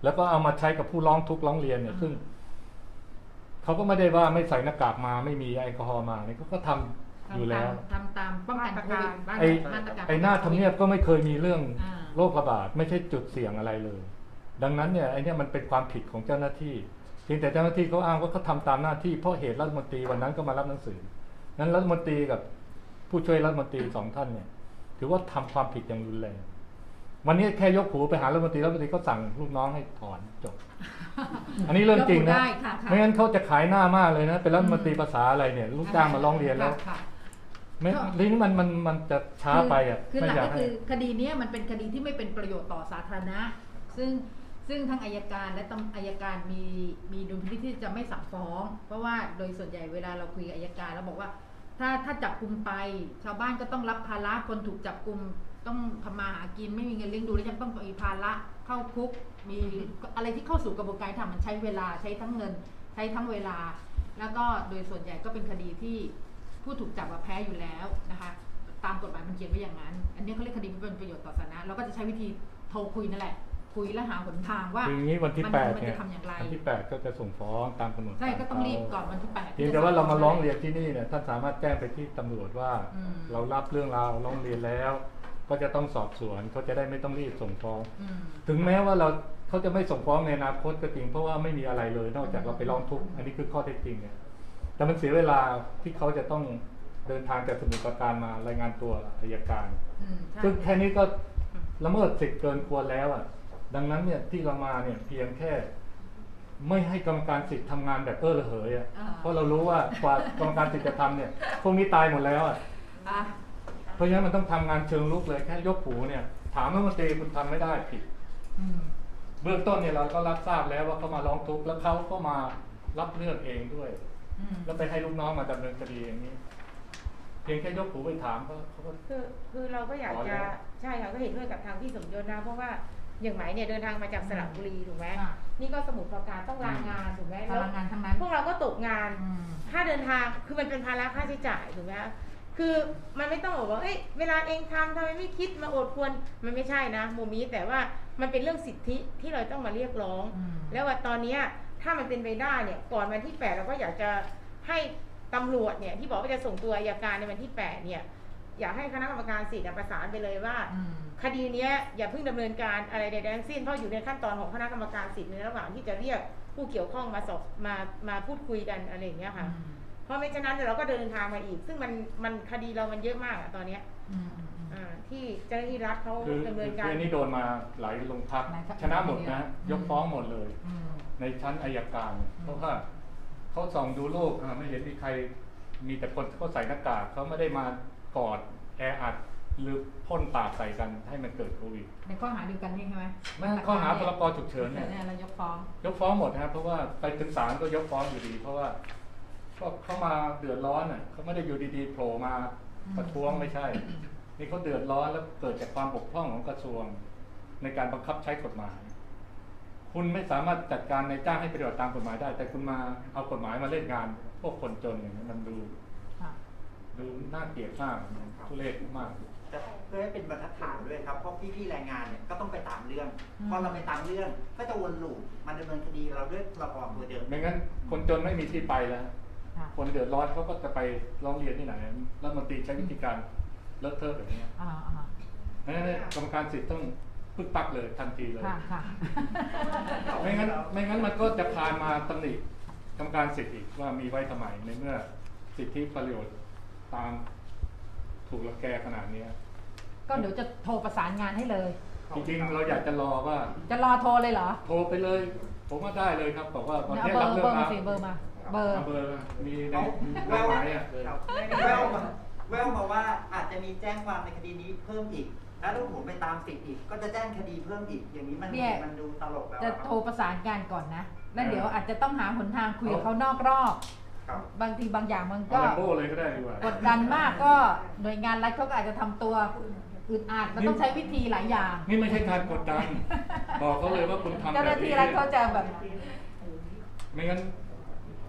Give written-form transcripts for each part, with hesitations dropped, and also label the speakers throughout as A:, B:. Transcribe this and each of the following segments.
A: แล้วก็เอามาใช้กับผู้ร้องทุกข์ร้องเรียนเนี่ยซึ่งเขาก็ไม่ได้ว่าไม่ใส่หน้ากากมาไม่มีแอลกอฮอล์มาเนี่ยก็ทำอยู่แล้ว
B: ทำตามป้องกันโควิด
A: ไอ้หน้าทำเนียบก็ไม่เคยมีเรื่องโรคระบาดไม่ใช่จุดเสี่ยงอะไรเลยดังนั้นเนี่ยไอ้นี่มันเป็นความผิดของเจ้าหน้าที่เพียงแต่เจ้าหน้าที่เขาอ้างว่าเขาทำตามหน้าที่เพราะเหตุรัฐมนตรีวันนั้นก็มารับหนังสือนั้นรัฐมนตรีกับผู้ช่วยรัฐมนตรี2 ท่านเนี่ยถือว่าทำความผิดอย่างรุนแรงวันนี้แค่ยกหูไปหารัฐมนตรีก็สั่งลูกน้องให้ถอนจบ อันนี้เรื่องจริงนะไม่งั้นเขาจะขายหน้ามากเลยนะเป็นรัฐมนตรีภาษาอะไรเนี่ยลูกจ้างมาร้องเรียนแล้วไม่ลิ้นมันจะช้าไปอ่ะ
B: คือหลักก็คือคดีนี้มันเป็นคดีที่ไม่เป็นประโยชน์ต่อสาธารณะซึ่งทางอัยการและอัยการมีดุลพินิจที่จะไม่สั่งฟ้องเพราะว่าโดยส่วนใหญ่เวลาเราคุยกับอัยการเราบอกว่าถ้าจับกุมไปชาวบ้านก็ต้องรับภาระคนถูกจับกุมต้องทำมาหากินไม่มีเงินเลี้ยงดูแล้วยังต้องมีภาระเข้าคุกมีอะไรที่เข้าสู่กระบวนการทำมันใช้เวลาใช้ทั้งเงินใช้ทั้งเวลาแล้วก็โดยส่วนใหญ่ก็เป็นคดีที่ผู้ถูกจับแพ้อยู่แล้วนะคะตามกฎหมายมันเขียนไว้อย่างนั้นอันนี้เขาเรียกคดีไม่เป็นประโยชน์ต่อสาธารณะเราก็จะใช้วิธีโทรคุยนั่นแหละคุยและหาหนทางว่า
A: อย่างนี้วันที่8เนี่ยวันที่8ก็จะส่งฟ้องตามกำหนด
B: ใช่ก็ต้องรีบก่อนวันที่8
A: เพียงแต่ว่าเรามาร้องเรียนที่นี่เนี่ยท่านสามารถแจ้งไปที่ตำรวจว่าเรารับเรื่องราวร้องเรียนแล้วก็จะต้องสอบสวนเขาจะได้ไม่ต้องรีบส่งฟ้องถึงแม้ว่าเขาจะไม่ส่งฟ้องในอนาคตก็จริงเพราะว่าไม่มีอะไรเลยนอกจากเราไปร้องทุกข์อันนี้คือข้อเท็จจริงเนี่ยแต่มันเสียเวลาที่เขาจะต้องเดินทางจากสมุทรปราการมารายงานตัวอัยการซึ่งแค่นี้ก็ละเมิดสิทธิ์เกินควรแล้วอ่ะดังนั้นเนี่ยที่เรามาเนี่ยเพียงแค่ไม่ให้กรรมการสิทธิ์ทำงานแบบระเหยอ่ะเพราะเรารู้ว่ากว่ากรรมการสิทธิ์จะทำเนี่ยพวกนี้ตายหมดแล้วอ่ะเพราะฉะนั้นมันต้องทำงานเชิงลุกเลยแค่ยกหูเนี่ยถามรัฐมนตรีคุณทำไม่ได้ผิดเบื้องต้นเนี่ยเราก็รับทราบแล้วว่าเขามาร้องทุกข์แล้วเขาก็มารับเรื่องเองด้วยแล้วไปให้ลูกน้องมาดำเนินคดีอย่างนี้เพียงแค่ยกหูไปถามเขาก็
C: คือเราก็อยากจะใช่ค่ะก็เห็นด้วยกับทางพี่สมยศนะเพราะว่าอย่างไหมเนี่ยเดินทางมาจากสระบุรีถูกไหมนี่ก็สมุทรปราการต้องลางานถูกไหมแล้ว
B: งานทั้งนั้น
C: พวกเราก็ตกงานค่าเดินทางคือมันเป็นภาระค่าใช้จ่ายถูกไหมคือมันไม่ต้องบอกว่าเอ้ยเวลาเองทำไมไม่คิดมาอดควรมันไม่ใช่นะมุมนี้แต่ว่ามันเป็นเรื่องสิทธิที่เราต้องมาเรียกร้องแล้วว่าตอนนี้ถ้ามันเป็นไปได้เนี่ยก่อนวันที่8เราก็อยากจะให้ตำรวจเนี่ยที่บอกว่าจะส่งตัวอัยการในวันที่8เนี่ยอยากให้คณะกรรมการสิทธิ์ประสานไปเลยว่าคดีนี้อย่าเพิ่งดำเนินการอะไรใดๆทั้งสิ้นเพราะอยู่ในขั้นตอนของคณะกรรมการสิทธิ์ในระหว่างที่จะเรียกผู้เกี่ยวข้องมาสอบมาพูดคุยกันอะไรอย่างเงี้ยค่ะเพราะไม่ฉะนั้นเราก็เดินทางมาอีกซึ่งมันคดีเรามันเยอะมากตอนนี้ที่เจ้าหน้าที่รัฐเขาดำเนินการ
A: นี่โดนมาหลายโรงพักชนะหมดนะยกฟ้องหมดเลยในชั้นอัยการเพราะว่าเขาส่องดูโลกไม่เห็นมีใครมีแต่คนเขาใส่หน้ากากเขาไม่ได้มากอดแออัดหรือพ่นปากใส่กันให้มันเกิดโควิด
B: ในข้อหาเดียวกันนี่ใช่ไหม
A: ไม่ข้อหาพรกฉุกเฉินเนี่ย
B: เรายก
A: ฟ้องหมดนะครับเพราะว่าไปถึงศาลก็ยกฟ้องอยู่ดีเพราะว่าเขามาเดือดร้อนเขาไม่ได้อยู่ดีๆโผล่มาประท้วงไม่ใช่นี่เขาเดือดร้อนแล้วเกิดจากความบกพร่องของกระทรวงในการบังคับใช้กฎหมายคุณไม่สามารถจัดการในจ้างให้ปฏิบัติตามกฎหมายได้แต่คุณมาเอากฎหมายมาเล่นงานพวกคนจนอย่างนี้มันดูน่าเกลียดมากทุเรศมาก
D: จะเพื่อให้เป็นบรรทัดฐานด้วยครับเพราะพี่ๆแรงงานเนี่ยก็ต้องไปตามเรื่องพอเราไปตามเรื่องก็จะวนลูปมันดำเนินคดีเราด้วยระบอบตัวเดิม
A: ไม่งั้นคนจนไม่มีที่ไปแล้วคนเดือดร้อนเขาก็จะไปร้องเรียนที่ไหนรัฐมนตรีใช้วิธีการเลอะเทอะแบบนี้นั่นกรรมการสิทธิ์ต้องปึ๊กปักเลยทันทีเลยไม่งั้นมันก็จะพามาตำหนิกรรมการสิทธิ์อีกว่ามีไว้ทำไมในเมื่อสิทธิประโยชน์ตามถูกรังแกขนาดนี้
B: ก็เดี๋ยวจะโทรประสานงานให้เลย
A: จริงๆเราอยากจะรอว่า
B: จะรอโทรเลยเหรอ
A: โทรไปเลยผมว่าได้เลยครับบอกว่า
B: วันนี้รับเรื่องมาเบอร์มา
A: มีในแววมา
D: แววมาว่าอาจจะมีแจ้งความในคดีนี้เพิ่มอีกแล้วถ้าผมไปตามสิทธิ์อีกก็จะแจ้งคดีเพิ่มอีกอย่างนี้มันดูตลกแล้ว
B: จะโทรประสานงานก่อนนะแล้วเดี๋ยวอาจจะต้องหาหนทางคุยกับเขานอกรอบบางทีบางอย่างมันก็กดดันมากก็หน่วยงานรัฐเขาก็อาจจะทำตัวอึดอัดมันต้องใช้วิธีหลายอย่าง
A: นี่ไม่ใช่การกดดันบอกเขาเลยว่าคุณทำแบบนี้
B: เจ้าหน้าที่รัฐเขาจะแบบ
A: ไม่งั้น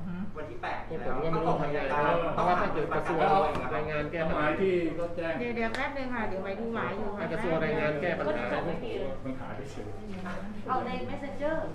D: วันที่ 8
E: ผมก็ไม่รู้ทำยังไงเพราะว่าถ้าเกิดกระทรวงแรงงานแก้ปัญ
A: ห
E: หา
A: มายที่ก็แจ้ง
C: เดี๋ยวแป๊บนึงค่ะเดี๋ยวไปดูหมายอยู่ค่ะ
E: กระทรวงแรงงานแก้ปัญหา
A: ปัญหาที่เฉย
F: เอาใน messenger